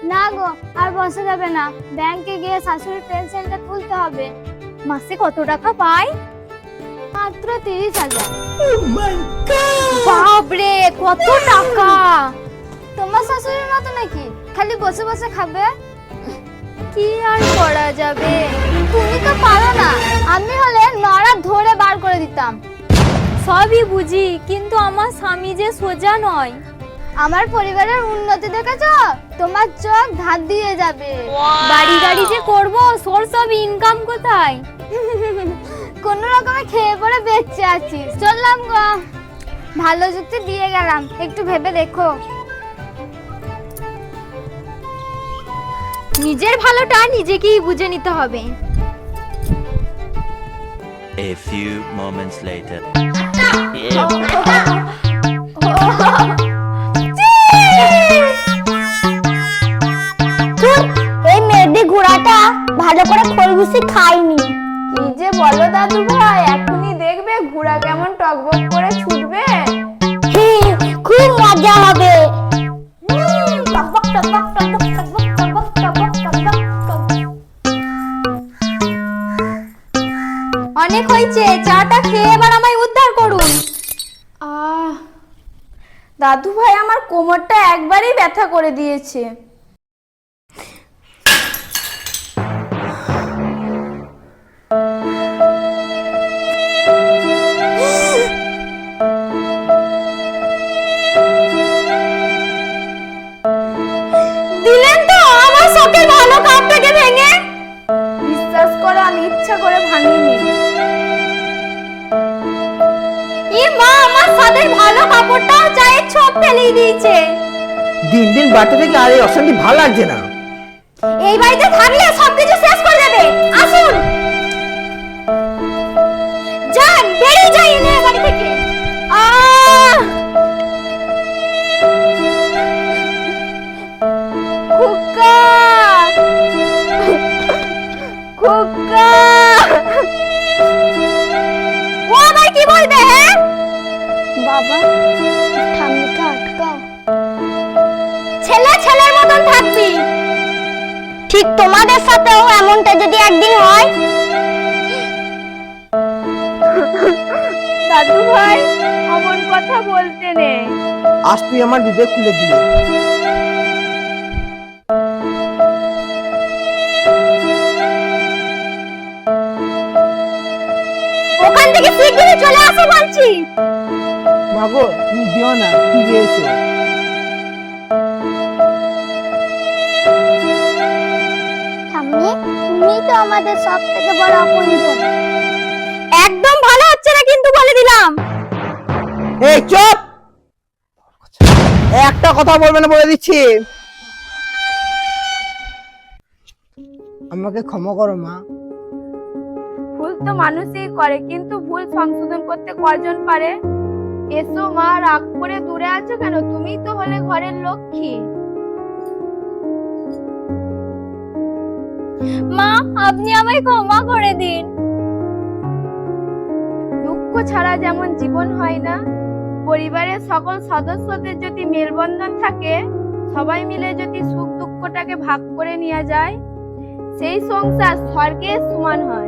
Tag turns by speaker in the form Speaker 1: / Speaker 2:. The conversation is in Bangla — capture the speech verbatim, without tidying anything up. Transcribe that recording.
Speaker 1: না গো, আর বসা যাবে না, ব্যাংকে গিয়ে শাশুড়ির পেনশনটা তুলতে হবে।
Speaker 2: মাসে কত টাকা পায়?
Speaker 1: মাত্র তিরিশ হাজার।
Speaker 2: বাপরে, কত টাকা!
Speaker 1: তোমার শাশুড়ির মতো নাকি খালি বসে বসে খাবে?
Speaker 2: কি আর করা যাবে,
Speaker 1: তুমি তো পারো না, আমি হলে নড়া ধরে বার করে দিতাম।
Speaker 2: সবই বুঝি, কিন্তু আমার স্বামী যে সোজা নয়।
Speaker 1: আমার পরিবারের উন্নতি দেখেছো? তোমার চোখ ধার দিয়ে যাবে।
Speaker 2: বাড়ি গাড়ি যে করবো, সোর্স অফ ইনকাম কোথায়?
Speaker 1: কোন রকমে খেয়ে পড়ে বেঁচে আছিস। চললাম গো, ভালো যুক্তি দিয়ে গেলাম, একটু ভেবে দেখো।
Speaker 2: নিজের ভালোটা নিজেকেই বুঝে নিতে হবে।
Speaker 3: A few moments later.
Speaker 1: এই মেয়েদের ঘোড়াটা ভালো করে খরগোশি খায়নি।
Speaker 4: কি যে বলো দাদু ভাই, এখনই দেখবে ঘোড়া কেমন টকবক করে ছুটবে।
Speaker 1: খুব মজা হবে।
Speaker 2: অনেক হয়েছে, চাটা খেয়ে এবার আমায় উদ্ধার করুন।
Speaker 4: আহ, দাদু ভাই আমার কোমরটা একবারেই ব্যথা করে দিয়েছে।
Speaker 2: দিলেন তো আমার শখের ভালো কাপটাকে ভেঙে।
Speaker 4: বিশ্বাস করো, আমি ইচ্ছা করে ভাঙিনি।
Speaker 2: ই মা, আমার সাদের ভালো কাপড়টাও চায়ের ছোপ ফেলিয়ে দিয়েছে।
Speaker 5: দিন দিন বাড়তে থেকে আর এই অশান্তি ভালো লাগছে না।
Speaker 2: এই বাড়িতে থাকলে সবকিছু শেষ করে দেবে। আসুন, যান, বেরিয়ে যাই না বাড়ি থেকে। আহ,
Speaker 4: খোকা, খোকা,
Speaker 2: ও আবার কি বলবে? হ্যাঁ
Speaker 1: বাবা, ঠাম্মিকে আটকাও।
Speaker 2: ছেলে ছেলের মতন থাকবি।
Speaker 1: ঠিক তোমাদের সাথেও এমনটা যদি একদিন হয়।
Speaker 4: দাদু ভাই অমন কথা বলতে নেই।
Speaker 5: আজ তুই আমার বিবেক খুলে দিলি।
Speaker 2: ওখান থেকে শিগগিরই চলে আসো বলছি।
Speaker 5: মাগো, তুমি দিও না, ফিরে এসো।
Speaker 1: ঠাম্মি, তুমি তো আমাদের সব থেকে বড় আপনজন।
Speaker 2: একদম ভালো হচ্ছে না কিন্তু, বলে দিলাম।
Speaker 5: এই চুপ, একটা কথা বলবে না বলে দিচ্ছি। আমাকে ক্ষমা করো মা।
Speaker 4: ভুল তো মানুষই করে, কিন্তু ভুল সংশোধন করতে কয়জন পারে? এসো মা, রাগ করে দূরে আছো কেন? তুমি তো হলে ঘরের লক্ষ্মী।
Speaker 2: মা, আপনি আমায় ক্ষমা করে দিন।
Speaker 4: দুঃখ ছাড়া যেমন জীবন হয় না, পরিবারের সকল সদস্যদের যদি মেলবন্ধন থাকে, সবাই মিলে যদি সুখ দুঃখটাকে ভাগ করে নেওয়া যায়, সেই সংসার স্বর্গের সমান হয়।